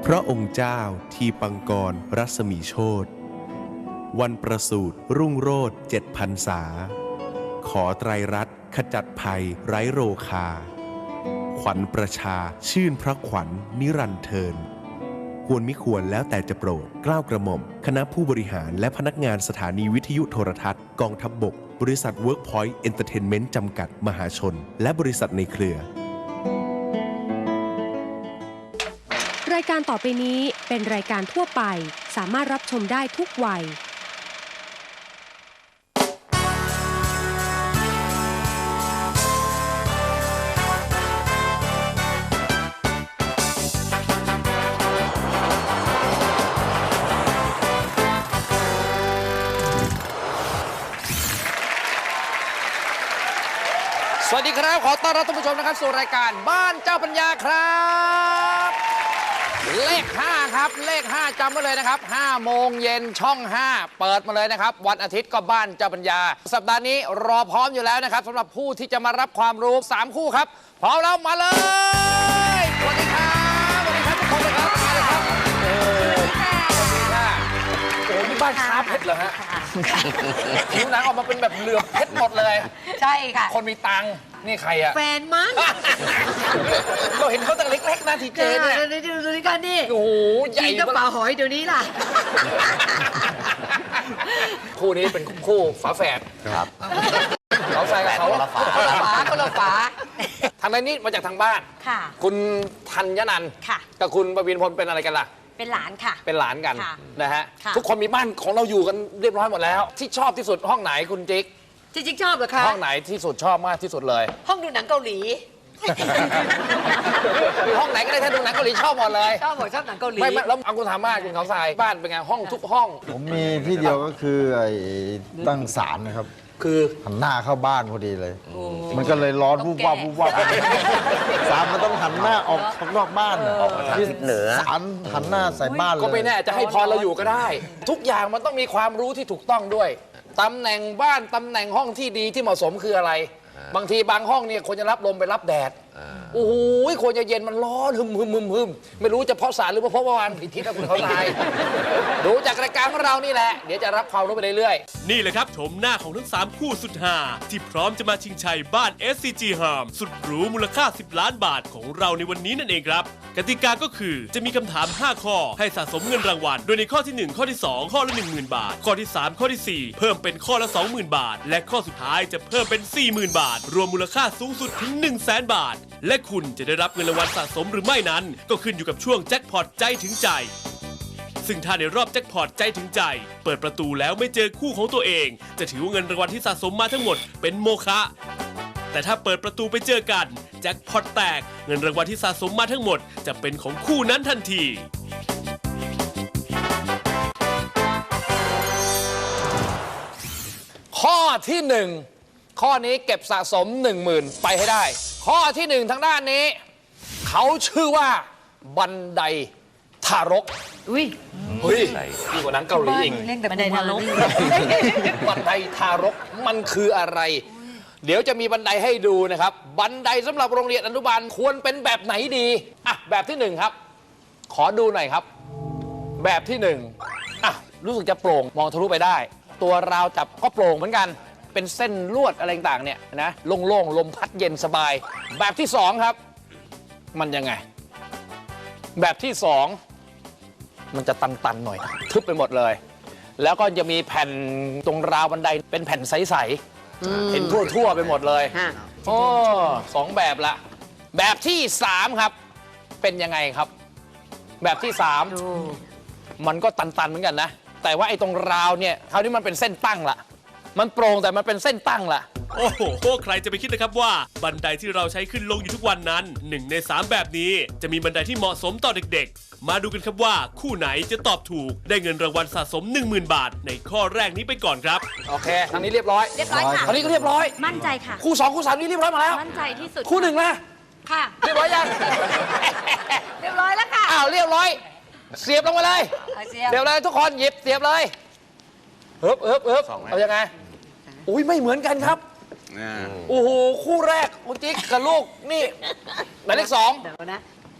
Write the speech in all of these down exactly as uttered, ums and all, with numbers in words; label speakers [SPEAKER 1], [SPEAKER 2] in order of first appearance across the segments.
[SPEAKER 1] พระองค์เจ้าทีปังกรรัศมีโชติวันประสูติรุ่งโรจน์เจ็ดพรรษาขอไตรรัตน์ขจัดภัยไร้โรคาขวัญประชาชื่นพระขวัญนิรันดร์เทินควรมิควรแล้วแต่จะโปรดเกล้ากระหม่อมคณะผู้บริหารและพนักงานสถานีวิทยุโทรทัศน์กองทัพบกบริษัท Workpoint Entertainment จำกัดมหาชนและบริษัทในเครือ
[SPEAKER 2] รายการต่อไปนี้เป็นรายการทั่วไปสามารถรับชมได้ทุกวัย
[SPEAKER 3] สวัสดีครับขอต้อนรับท่านผู้ชมนะครับสู่รายการบ้านเจ้าปัญญาครับเลขห้าครับเลขห้าจำไว้เลยนะครับห้าโมงเย็นช่องห้าเปิดมาเลยนะครับวันอาทิตย์ก็บ้านเจ้าปัญญาสัปดาห์นี้รอพร้อมอยู่แล้วนะครับสำหรับผู้ที่จะมารับความรู้สามคู่ครับพร้อมแล้วมาเลยสวัสดีครับสวัสดีครับทุกคนเลยครับมาเลยครับโอ้สวัสดีค่ะโอ้นี่บ้านค้าเพชรเหรอฮะผิวหนังออกมาเป็นแบบเหลือบเพชรหมดเลย
[SPEAKER 4] ใช่ค่ะ
[SPEAKER 3] คนมีตังค์นี่ใครอะ
[SPEAKER 4] แฟนมั้ง
[SPEAKER 3] เราเห็นเขาตั้งเล็กๆนะทีเจเนี่ย
[SPEAKER 4] ดูดูนี่กันนี่
[SPEAKER 3] โอ้โหใหญ่
[SPEAKER 4] กระเป๋าหอยเดี๋ยวนี้ล่ะ
[SPEAKER 3] คู่นี้เป็นคู่ฝาแฝดครับเขาใส่กับเขา
[SPEAKER 4] คนละฝาคนละฝา
[SPEAKER 3] ทางนี้มาจากทางบ้าน
[SPEAKER 4] ค่ะ
[SPEAKER 3] คุณธัญนันท์กับคุณประวินพลเป็นอะไรกันล่ะ
[SPEAKER 4] เป็นหลานค่ะ
[SPEAKER 3] เป็นหลานกันนะฮะทุกคนมีบ้านของเราอยู่กันเรียบร้อยหมดแล้วที่ชอบที่สุดห้องไหนคุณจิ๊ก
[SPEAKER 4] จริงๆชอบเหรอคะ
[SPEAKER 3] ห้องไหนที่สุดชอบมากที่สุดเลย
[SPEAKER 4] ห้องดูหนังเกาหลี
[SPEAKER 3] ห้องไหนก็ได้ถ้าดูหนังเกาหลีชอบหมดเลย
[SPEAKER 4] ชอบหมดชอบหนังเกาหลี
[SPEAKER 3] ไม่แล้วเอาคุณถามมากคุณเขาทรายบ้านเป็นไงห้องทุกห้อง
[SPEAKER 5] ผมมีที่เดียวก็คือไอ้ตั้งศาลนะครับ
[SPEAKER 3] คือ
[SPEAKER 5] หันหน้าเข้าบ้านพอดีเลยมันก็เลยร้อนวูบวับวูบวับศาลมันต้องหันหน้าออกข้างนอกบ้าน
[SPEAKER 3] ออกทางทิศเหนือ
[SPEAKER 5] ศาลหันหน้าใส่บ้านเลย
[SPEAKER 3] ก็ไม่แน่จะให้พรเราอยู่ก็ได้ทุกอย่างมันต้องมีความรู้ที่ถูกต้องด้วยตำแหน่งบ้านตำแหน่งห้องที่ดีที่เหมาะสมคืออะไรบางทีบางห้องเนี่ยควรจะรับลมไปรับแดดโอ้โหควรจะเย็นมันร้อนหึมหึมหึมหึมไม่รู้จะเพราะสารหรือเพราะวานผิดทิศนะคุณเขาตายดูจากรายการของเรานี่แหละเดี๋ยวจะรับความรู้ไปเรื่อย
[SPEAKER 6] ๆนี่แหละครับชมหน้าของทั้งสามคู่สุดฮาที่พร้อมจะมาชิงชัยบ้าน เอส ซี จี Harm สุดหรูมูลค่าสิบล้านบาทของเราในวันนี้นั่นเองครับกติกาก็คือจะมีคำถามห้าข้อให้สะสมเงินรางวัลโดยในข้อที่หนึ่งข้อที่สองข้อละ หนึ่งหมื่น บาทข้อที่สามข้อที่สี่เพิ่มเป็นข้อละ สองหมื่น บาทและข้อสุดท้ายจะเพิ่มเป็น สี่หมื่น บาทรวมมูลค่าสูงสุดถึง หนึ่งแสน บาทและคุณจะได้รับเงินรางวัลสะสมหรือไม่นั้นก็ขึ้นอยู่กับช่วงแจ็คพอตใจถึงใจซึ่งถ้าในรอบแจ็คพอตใจถึงใจเปิดประตูแล้วไม่เจอคู่ของตัวเองจะถือว่าเงินรางวัลที่สะสมมาทั้งหมดเป็นโมฆะแต่ถ้าเปิดประตูไปเจอกันแจ็คพอตแตกเงินรางวัลที่สะสมมาทั้งหมดจะเป็นของคู่นั้นทันที
[SPEAKER 3] ข้อที่หนึ่งข้อนี้เก็บสะสม หนึ่งหมื่น ไปให้ได้ข้อที่หนึ่งทางด้านนี้เขาชื่อว่าบันไดทารก
[SPEAKER 4] อุ้ย
[SPEAKER 3] เฮ้ยดีกว่าหนังเกาหลีอีก
[SPEAKER 4] บันไดทารก
[SPEAKER 3] บันไดทารกมันคืออะไรเดี๋ยวจะมีบันไดให้ดูนะครับบันไดสำหรับโรงเรียนอนุบาลควรเป็นแบบไหนดีอ่ะแบบที่หนึ่งครับขอดูหน่อยครับแบบที่หนึ่งอ่ะรู้สึกจะโปร่งมองทะลุไปได้ตัวราวจับก็โปร่งเหมือนกันเป็นเส้นลวดอะไรต่างเนี่ยนะโล่งๆลมพัดเย็นสบายแบบที่สองครับมันยังไงแบบที่สองมันจะตันๆหน่อยทึบไปหมดเลยแล้วก็จะมีแผ่นตรงราวบันไดเป็นแผ่นใสๆเห็นทั่วๆไปหมดเลยโอ้สองแบบละแบบที่สามครับเป็นยังไงครับแบบที่สามมันก็ตันๆเหมือนกันนะแต่ว่าไอ้ตรงราวเนี่ยคราวนี้มันเป็นเส้นตั้งละมันโปร่งแต่มันเป็นเส้นตั้งล่ะ
[SPEAKER 6] โอ้โหใครจะไปคิดนะครับว่าบันไดที่เราใช้ขึ้นลงอยู่ทุกวันนั้นหนึ่งในสามแบบนี้จะมีบันไดที่เหมาะสมต่อเด็กๆมาดูกันครับว่าคู่ไหนจะตอบถูกได้เงินรางวัลสะสม หนึ่งหมื่น บาทในข้อแรกนี้ไปก่อนครับ
[SPEAKER 3] โอเคทางนี้เรียบร้อย
[SPEAKER 4] เรียบร้อยค่ะ
[SPEAKER 3] ทางนี้ก็เรียบร้อย
[SPEAKER 4] มั่นใจค่ะ
[SPEAKER 3] คู่สองคู่สามนี้เรียบร้อยมาแล้ว
[SPEAKER 4] มั่นใจที่สุด
[SPEAKER 3] คู่หนึ่งนะ
[SPEAKER 4] ค่ะ
[SPEAKER 3] เรียบร้อยยัง
[SPEAKER 4] เรียบร้อยแล้วค่ะ
[SPEAKER 3] อ้าวเรียบร้อยเสียบลงมาเลยเสียบเลยทุกคนหยิบเสียบเลยเฮิบเฮิบเฮิบเอายังไงอุ้ยไม่เหมือนกันครับโอ้โหคู่แรกคุณจิ๊กกับลูกนี่หมายเลขสอง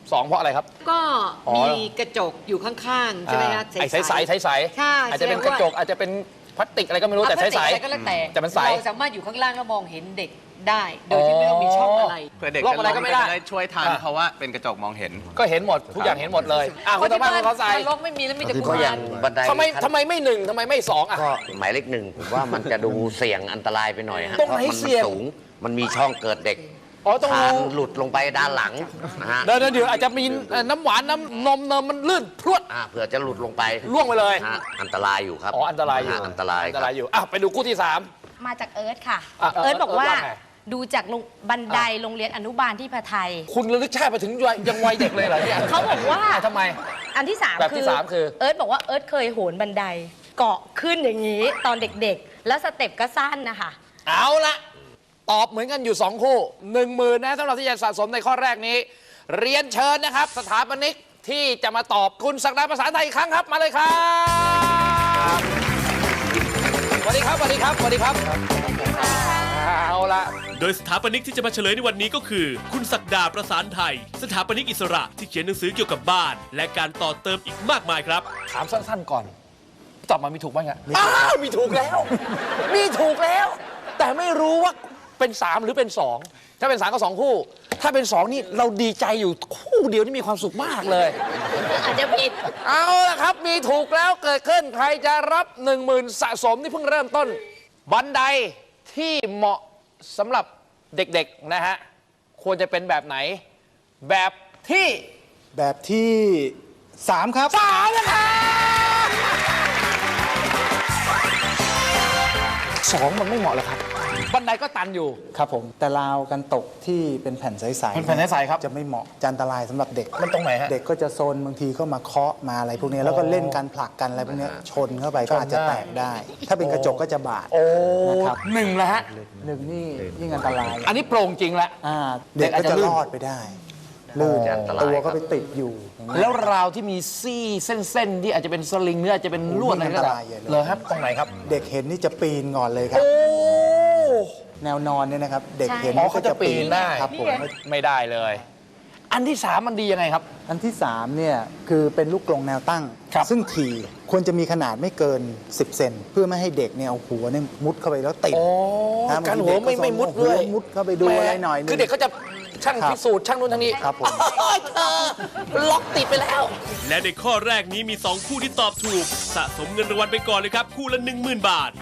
[SPEAKER 3] สองเพราะอะไรครับ
[SPEAKER 4] ก็
[SPEAKER 3] อ๋อ
[SPEAKER 4] มีกระจกอยู่ข้างๆ ใช่ไหมคะ
[SPEAKER 3] ไอ้ใสใสใสใสๆ
[SPEAKER 4] ใช่
[SPEAKER 3] อาจจะเป็นกระจกอาจจะเป็นพลาสติกอะไรก็ไม่รู้แต่ใสใส
[SPEAKER 4] อะไรก็แล้วแต่
[SPEAKER 3] แต่มันใส
[SPEAKER 4] เราสามารถอยู่ข้างล่างแล้วมองเห็นเด็กได้ โดยที่ไม่ต้องมีช่องอะไร
[SPEAKER 7] เพื่อเด็ก
[SPEAKER 3] รอบอะไรก็ไม่ได้
[SPEAKER 7] จะช่วยทัน
[SPEAKER 3] อ่ะ
[SPEAKER 7] เพราะว่าเป็นกระจกมองเห็น
[SPEAKER 3] ก็เห็นหมดทุกอย่างเห็นหมดเลยอ่ะ
[SPEAKER 4] เพ
[SPEAKER 3] คุณ
[SPEAKER 4] ราะ
[SPEAKER 3] ธร
[SPEAKER 4] ที่
[SPEAKER 3] รมะ
[SPEAKER 4] บ้าน
[SPEAKER 3] เขาใส่
[SPEAKER 4] ทางลกไม่มีแล้วมีแต่
[SPEAKER 8] ก็
[SPEAKER 4] กุ
[SPEAKER 8] อย่าม
[SPEAKER 4] าง ร
[SPEAKER 8] บันได
[SPEAKER 3] ทำไม
[SPEAKER 8] ขั้น
[SPEAKER 3] ทำไมไม่หนึ่งทำไมไม่สองอ่ะ
[SPEAKER 8] ก็หมายเลขหนึ่งผมว่ามันจะดูเสี่ยงอันตรายไปหน่อยฮะ
[SPEAKER 3] ตรงไหน
[SPEAKER 8] พาะมั
[SPEAKER 3] เสี่ยง
[SPEAKER 8] สูงมันมีช่องเกิดเด็ก
[SPEAKER 3] อ๋อต้อง
[SPEAKER 8] คาน
[SPEAKER 3] รู้
[SPEAKER 8] หลุดลงไปด้านหลังนะฮะ
[SPEAKER 3] เดี๋ยวเดี๋ยวอาจจะมีเอ่อน้ำหวานน้ำนมเนมมันลื่นพรวด
[SPEAKER 8] อ่าเผื่อจะหลุดลงไป
[SPEAKER 3] ล่วงไปเลย
[SPEAKER 8] ฮะอันตรายอยู่ครับ
[SPEAKER 3] อ๋ออันตรายอยู่
[SPEAKER 8] ฮะอันตราย
[SPEAKER 3] อัน
[SPEAKER 8] ค
[SPEAKER 3] ต
[SPEAKER 8] รับ
[SPEAKER 3] รายอยู่อ่ะไปดูคู่ที่สาม
[SPEAKER 9] มาจากเอิร์ธค่ะ
[SPEAKER 3] อ่ะ
[SPEAKER 9] เอิร์ธบอกว่า
[SPEAKER 3] เอิร์ธว่าไง
[SPEAKER 9] ดูจากโรงบันไดโรงเรียนอนุบาลที่พะไทย
[SPEAKER 3] คุณระลึกชาติไปถึงวัยยังวัยเด็กเลยเหรอเนี่ย
[SPEAKER 9] เขาบอกว่า
[SPEAKER 3] อ่ะทำไม
[SPEAKER 9] อันที่สาม
[SPEAKER 3] แบบที่สามคือ
[SPEAKER 9] เอิร์ธบอกว่าเอิร์ธเคยโหนบันไดเกาะขึ้นอย่างนี้ตอนเด็กๆ แล้วสเต็ปก็สั้นนะคะ
[SPEAKER 3] เอาละตอบเหมือนกันอยู่สองคู่หนึ่งหมื่นนะสำหรับที่จะสะสมในข้อแรกนี้ เรียนเชิญนะครับ สถาปนิกที่จะมาตอบคุณศักดาภาษาไทยอีกครั้งครับมาเลยครับสวัสดีครับสวัสดีครับสวัสดีครับเอาละ
[SPEAKER 6] โดยสถาปนิกที่จะมาเฉลยในวันนี้ก็คือ คุณศักดาประสานไทย สถาปนิกอิสระที่เขียนหนังสือเกี่ยวกับบ้าน และการต่อเติมอีกมากมายครับ
[SPEAKER 3] ถามสั้นๆก่อน ตอบมามีถูกบ้างไงอ้าวมีถูกแล้ว มีถูกแล้ว แต่ไม่รู้ว่าเป็นสามหรือเป็นสองถ้าเป็นสามก็สองคู่ ถ้าเป็นสองนี่เราดีใจอยู่คู่เดียวนี่มีความสุขมากเลย
[SPEAKER 9] อาจจะผิด
[SPEAKER 3] เอาละครับมีถูกแล้วเกิดขึ้นใครจะรับหนึ่งหมื่นสะสมที่เพิ่งเริ่มต้น บันไดที่เหมาะสำหรับเด็กๆนะฮะควรจะเป็นแบบไหน แบบที่
[SPEAKER 10] แบบที่สามครับ
[SPEAKER 3] สามนะครับสองมันไม่เหมาะเลยครับ บันไดก็ตันอยู่
[SPEAKER 10] ครับผมแต่ราวกันตกที่เป็นแผ่นใสๆ
[SPEAKER 3] เป็นแผ่นใสๆครับ
[SPEAKER 10] จะไม่เหมาะจะอันตรายสำหรับเด็ก
[SPEAKER 3] มันตรงไหนฮะ
[SPEAKER 10] เด็กก็จะโซนบางทีก็มาเคาะมาอะไรพวกนี้แล้วก็เล่นกันผลักกันอะไรพวกนี้ชนเข้าไปก็อาจจะแตกได้ ถ้าเป็นกระจกก็จะบาด
[SPEAKER 3] โอ้
[SPEAKER 10] นะครับ
[SPEAKER 3] หนึ่งแล้วฮะ
[SPEAKER 10] หนึ่งนี่ยิ่งอันตราย
[SPEAKER 3] อันนี้โปร่งจริงแล้ว
[SPEAKER 10] อ่าเด็กก็จะรอดไปได้ลื่น
[SPEAKER 8] อันตราย
[SPEAKER 10] ตัว
[SPEAKER 8] ครั
[SPEAKER 10] ก็
[SPEAKER 8] บ
[SPEAKER 10] ไปติดอยู่อย่างนี้
[SPEAKER 3] แล้วราวที่มีซี่เส้นๆที่อาจจะเป็นสลิงหรืออาจจะเป็นลวดอะไรก็
[SPEAKER 10] อันต
[SPEAKER 3] ได้
[SPEAKER 10] รายใหญ่เลย
[SPEAKER 3] เลยครับตรงไหนครับ
[SPEAKER 10] เด็กเห็นนี่จะปีนก่อนเลยครับ
[SPEAKER 3] โอ้
[SPEAKER 10] แนวนอนเนี่ยนะครับ เด็กเห็น
[SPEAKER 3] อ๋อ
[SPEAKER 10] นี่
[SPEAKER 3] เขาจะปีนได้
[SPEAKER 10] ครับผม
[SPEAKER 3] ไม่ได้เลย อันที่สามมันดียังไงครับ
[SPEAKER 10] อันที่สามเนี่ยคือเป็นลูกกรงแนวตั้ง
[SPEAKER 3] ครับ
[SPEAKER 10] ซึ่งถี่ควรจะมีขนาดไม่เกิน สิบ เซนเพื่อไม่ให้เด็กเนี่ยเอาหัวเนี่ยมุดเข้าไปแล้วติด
[SPEAKER 3] โอ้
[SPEAKER 10] นะ
[SPEAKER 3] การหัวไม่ไม่มุด
[SPEAKER 10] หั
[SPEAKER 3] เล
[SPEAKER 10] วย มุดเข้าไปดูอะไรหน่อยนึง
[SPEAKER 3] คือเด็กเขาจะช่าง
[SPEAKER 10] ครับ
[SPEAKER 3] พิสูจน์ช่างนู้นช่างนี้
[SPEAKER 10] ครับผม
[SPEAKER 3] โอ้ยเธอล็อกติดไปแล้ว
[SPEAKER 6] และในข้อแรกนี้มีสองคู่ที่ตอบถูก สะสมเงินรางวัลไปก่อนเลยครับ คู่ละ หนึ่งหมื่น บาท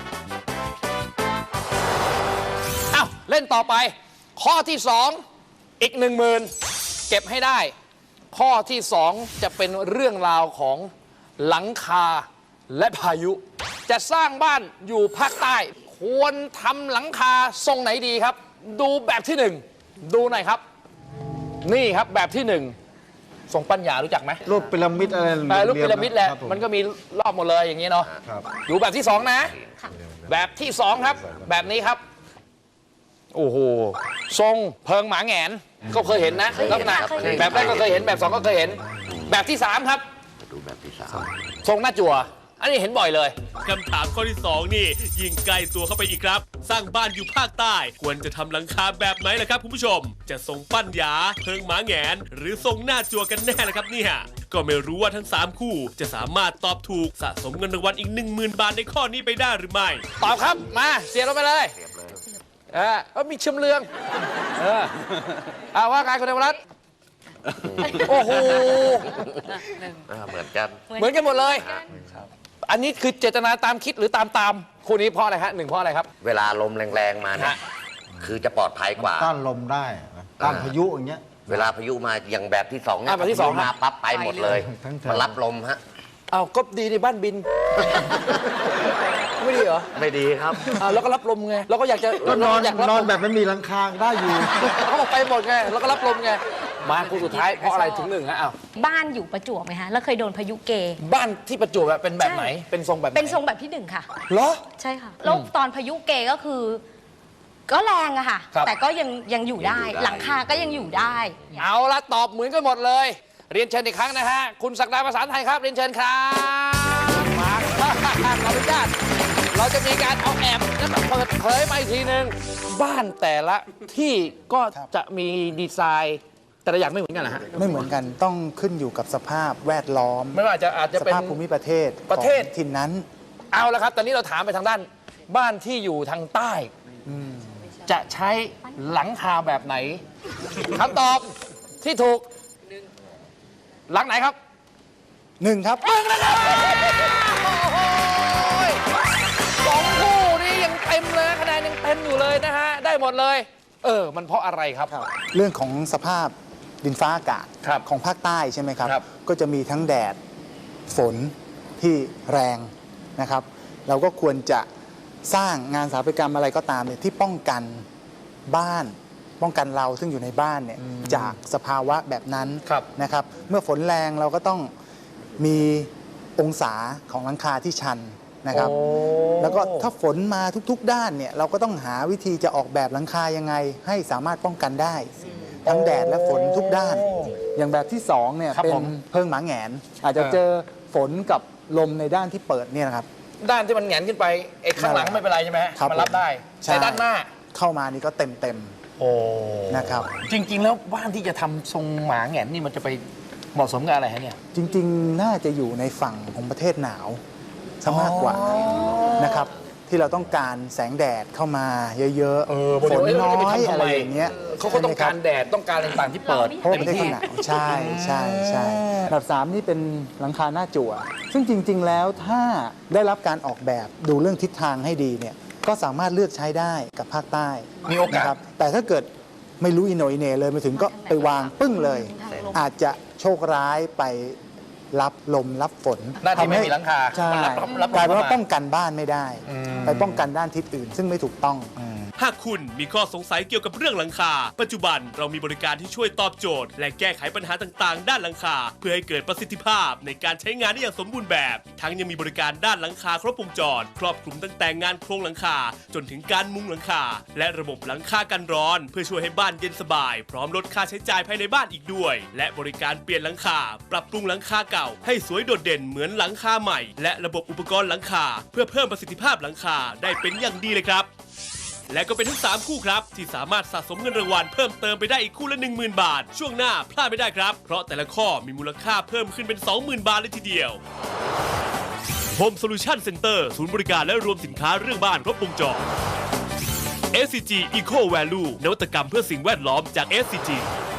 [SPEAKER 3] อ้าวเล่นต่อไป ข้อที่สองอีกหนึ่งหมื่นเก็บให้ได้ ข้อที่สองจะเป็นเรื่องราวของหลังคาและพายุ จะสร้างบ้านอยู่ภาคใต้ ควรทำหลังคาทรงไหนดีครับ ดูแบบที่หนึ่งดูหน่อยครับ นี่ครับแบบที่หนึ่งทรงปัญญารู้จักไหม
[SPEAKER 5] รูปพีระมิดอะไร
[SPEAKER 3] เออรูปพีระมิดแหละ
[SPEAKER 5] ครับผ
[SPEAKER 3] มันก็มีรอบหมดเลยอย่างนี้เนาะ
[SPEAKER 5] ครับ
[SPEAKER 3] ดูแบบที่สองนะ แบบที่สองครับ แบบนี้ครับ โอ้โห ทรงเพิงหมาแหงน ก็เคยเห็นนะลักษณะแบบแรกก็เคยเห็น แบบสองก็เคยเห็น แบบที่สามครับ
[SPEAKER 8] ดูแบบที่สาม
[SPEAKER 3] ทรงหน้าจั่ว อันนี้เห็นบ่อยเลย
[SPEAKER 6] คำถามข้อที่สองนี่ยิ่งใกล้ตัวเข้าไปอีกครับ สร้างบ้านอยู่ภาคใต้ ควรจะทำหลังคาแบบไหนล่ะครับคุณผู้ชม จะทรงปั้นหยาเพิงหมาแหงน หรือทรงหน้าจัวกันแน่ล่ะครับเนี่ยก็ไม่รู้ว่าทั้งสามคู่จะสามารถตอบถูกสะสมเงินรางวัลอีก หนึ่งหมื่น บาทในข้อนี้ไปได้หรือไม่
[SPEAKER 3] ตอบครับ มา เสียบลงไปเลยเออเออมีเชื่อมเรือง เออเอาว่าไงคุณเดวรัตน์โอ้โห
[SPEAKER 8] อ่าเหมือนกัน
[SPEAKER 3] เหมือนกันหมดเลย อันนี้คือเจตนาตามคิดหรือตามตามคู่นี้เพราะอะไรฮะหนึ่งเพราะอะไรครับ
[SPEAKER 8] เวลาลมแรงๆมาเนี่ย
[SPEAKER 3] ฮะ
[SPEAKER 8] คือจะปลอดภัยกว่า
[SPEAKER 5] ต้านลมได้นะต้านพายุอย่างเงี้ย
[SPEAKER 8] เวลาพายุมาอย่างแบบที่สองเนี่
[SPEAKER 3] อ่ะ
[SPEAKER 8] ย
[SPEAKER 3] แบบที่สอง
[SPEAKER 8] พายุมาปั๊บไปหมดเลย
[SPEAKER 5] ทั้งแถว
[SPEAKER 8] มันรับลมฮะ
[SPEAKER 3] อ้าวก็ดีในบ้านบิน ไม่ดีเหรอ
[SPEAKER 8] ไม่ดีครับ
[SPEAKER 3] อ้าวแล้วก็รับลมไงเราก็อยากจะ
[SPEAKER 5] ก็นอน
[SPEAKER 3] อยากรับ
[SPEAKER 5] นอน
[SPEAKER 3] ลม
[SPEAKER 5] แบบไม่มีหลังคาได้อยู่
[SPEAKER 3] เขาบอกไปหมดไงแล้วก็รับลมไงมาคู่สุดท้ายเพราะอะไรถึงหนึ่งฮะอ้าว
[SPEAKER 9] บ้านอยู่ประจวบไหมคะแล้วเคยโดนพายุเก
[SPEAKER 3] บ้านที่ประจวบอะเป็นแบบไหน เป็นทรงแบบไหน
[SPEAKER 9] เป็นทรงแบบที่หนึ่งค่ะ
[SPEAKER 3] เหรอ
[SPEAKER 9] ใช่ค่ะแล้วตอนพายุเกก็คือ ก็แรงอะค่ะ
[SPEAKER 3] ครับ
[SPEAKER 9] แต่ก็ยังยังอยู่ได้
[SPEAKER 8] ยังอยู่ได้
[SPEAKER 9] หลังคาก็ยังอยู่ได้
[SPEAKER 3] เอาละตอบเหมือนกันหมดเลย เรียนเชิญอีกครั้งนะฮะคุณศักดาภาษาไทยครับเรียนเชิญครับมาขออนุญาตเราจะมีการเอาแอบแล้วก็เปิดเผยมาอีกทีหนึ่งบ้านแต่ละที่ก็จะมีดีไซน์แต่ละอย่างไม่เหมือนกันนะฮะ
[SPEAKER 10] ไม่เหมือนกันต้องขึ้นอยู่กับสภาพแวดล้อม
[SPEAKER 3] ไม่ว่าจะอาจจะ
[SPEAKER 10] ส
[SPEAKER 3] เป็น
[SPEAKER 10] ภาพภูมิประเทศ
[SPEAKER 3] ประเทศ
[SPEAKER 10] ของถิ่นนั้น
[SPEAKER 3] เอาละครับ ตอนนี้เราถามไปทางด้านบ้านที่อยู่ทางใต้จะใช้หลังคาแบบไหนคำตอบที่ถูกหลังไหนครับ
[SPEAKER 10] หนึ่งครับ
[SPEAKER 3] มึงนะครับโอ้โหสองคู่นี้ยังเต็มเลยคะแนนยังเต็มอยู่เลยนะฮะ ได้หมดเลย เออ มันเพราะอะไรครับ
[SPEAKER 10] เรื่องของสภาพดินฟ้าอากาศ
[SPEAKER 3] ครับ
[SPEAKER 10] ของภาคใต้ใช่ไหมครับ
[SPEAKER 3] ครับ
[SPEAKER 10] ก็จะมีทั้งแดดฝนที่แรงนะครับ เราก็ควรจะสร้างงานสถาปัตยกรรมอะไรก็ตามเนี่ยที่ป้องกันบ้าน ป้องกันเราซึ่งอยู่ในบ้านเนี่ยจากสภาวะแบบนั้น
[SPEAKER 3] ครับ
[SPEAKER 10] นะครับ เมื่อฝนแรงเราก็ต้องมีองศาของหลังคาที่ชันนะครับ แล้วก็ถ้าฝนมาทุกๆ ด้านเนี่ยเราก็ต้องหาวิธีจะออกแบบหลังคายังไง ให้สามารถป้องกันได้ ทั้งแดดและฝนทุกด้าน อย่างแบบที่สองเนี่ย
[SPEAKER 3] ครับ
[SPEAKER 10] เป็น
[SPEAKER 3] ผม
[SPEAKER 10] เพิงหมาแหงน อาจจะ
[SPEAKER 3] เออ
[SPEAKER 10] เจอฝนกับลมในด้านที่เปิดเนี่ยนะครับ
[SPEAKER 3] ด้านที่มันแหงนขึ้นไปไอ้ข้างหลังไม่เป็นไรใช่ไหมฮะ
[SPEAKER 10] ครับ
[SPEAKER 3] มันรับได้
[SPEAKER 10] ใช่
[SPEAKER 3] แต่ด้านหน้า
[SPEAKER 10] เข้ามานี่ก็เต็มเต็ม
[SPEAKER 3] โอ้
[SPEAKER 10] นะครับ
[SPEAKER 3] จริง ๆ แล้วบ้านที่จะทำทรงหมาแหงนนี่มันจะไปเหมาะสมกับอะไรฮะเนี่ย
[SPEAKER 10] ๆจริงๆ น่าจะอยู่ในฝั่งของประเทศหนาวซะมากกว่านะครับ ที่เราต้องการแสงแดดเข้ามาเยอะ
[SPEAKER 3] เออ
[SPEAKER 10] ฝน
[SPEAKER 3] เดี๋ยว
[SPEAKER 10] น้อ
[SPEAKER 3] จะไป
[SPEAKER 10] ย
[SPEAKER 3] ทำทำไม
[SPEAKER 10] อะไรอย่างเงี้ย
[SPEAKER 3] เขาก็ต้องการ
[SPEAKER 10] ใช่ไหมคบ
[SPEAKER 3] แดดต้องการอะไรต่างๆที่เปิด
[SPEAKER 10] เพราะว่า
[SPEAKER 3] เต็
[SPEAKER 10] ประ
[SPEAKER 3] ม
[SPEAKER 10] เทศ
[SPEAKER 3] ที่
[SPEAKER 10] เขาหนาวใช่ใช่ใช่อันดับสามนี่เป็นหลังคาหน้าจั่ว ซึ่งจริง ๆ แล้วถ้าได้รับการออกแบบดูเรื่องทิศทางให้ดีเนี่ยก็สามารถเลือกใช้ได้กับภาคใต้
[SPEAKER 3] มีโอกาส
[SPEAKER 10] นะครับแต่ถ้าเกิดไม่รู้อิโหนอิเหน่เลยมาถึงก็ไปวางปึ้งเลย อาจจะโชคร้ายไปรับลมรับฝน
[SPEAKER 3] หน้าที่ไม่
[SPEAKER 10] ทำให้
[SPEAKER 3] มีหลังคา
[SPEAKER 10] ใช่
[SPEAKER 3] มันรับรับ
[SPEAKER 10] กลายเป็นว่า
[SPEAKER 3] เข้ามา
[SPEAKER 10] ป้องกันบ้านไม่ได้ ไปป้องกันด้านทิศอื่น ซึ่งไม่ถูกต้อง
[SPEAKER 6] หากคุณมีข้อสงสัยเกี่ยวกับเรื่องหลังคา ปัจจุบันเรามีบริการที่ช่วยตอบโจทย์ และแก้ไขปัญหาต่างๆ ด้านหลังคา เพื่อให้เกิดประสิทธิภาพในการใช้งานได้อย่างสมบูรณ์แบบ ทั้งยังมีบริการด้านหลังคาครบวงจร ครอบคลุมตั้งแต่งานโครงหลังคา จนถึงการมุงหลังคา และระบบหลังคากันร้อน เพื่อช่วยให้บ้านเย็นสบาย พร้อมลดค่าใช้จ่ายภายในบ้านอีกด้วย และบริการเปลี่ยนหลังคา ปรับปรุงหลังคาเก่า ให้สวยโดดเด่นเหมือนหลังคาใหม่ และระบบอุปกรณ์หลังคา เพื่อเพิ่มประสิทธิภาพหลังคาได้เป็นอย่างดีเลยครับ และก็เป็นทั้งสามคู่ครับ ที่สามารถสะสมเงินรางวัลเพิ่มเติมไปได้อีกคู่ละ หนึ่งหมื่น บาท ช่วงหน้าพลาดไม่ได้ครับ เพราะแต่ละข้อมีมูลค่าเพิ่มขึ้นเป็น สองหมื่น บาทเลยทีเดียว Home Solution Center ศูนย์บริการและรวมสินค้าเรื่องบ้านครบวงจร เอส ซี จี Eco Value นวัตกรรมเพื่อสิ่งแวดล้อมจาก เอส ซี จี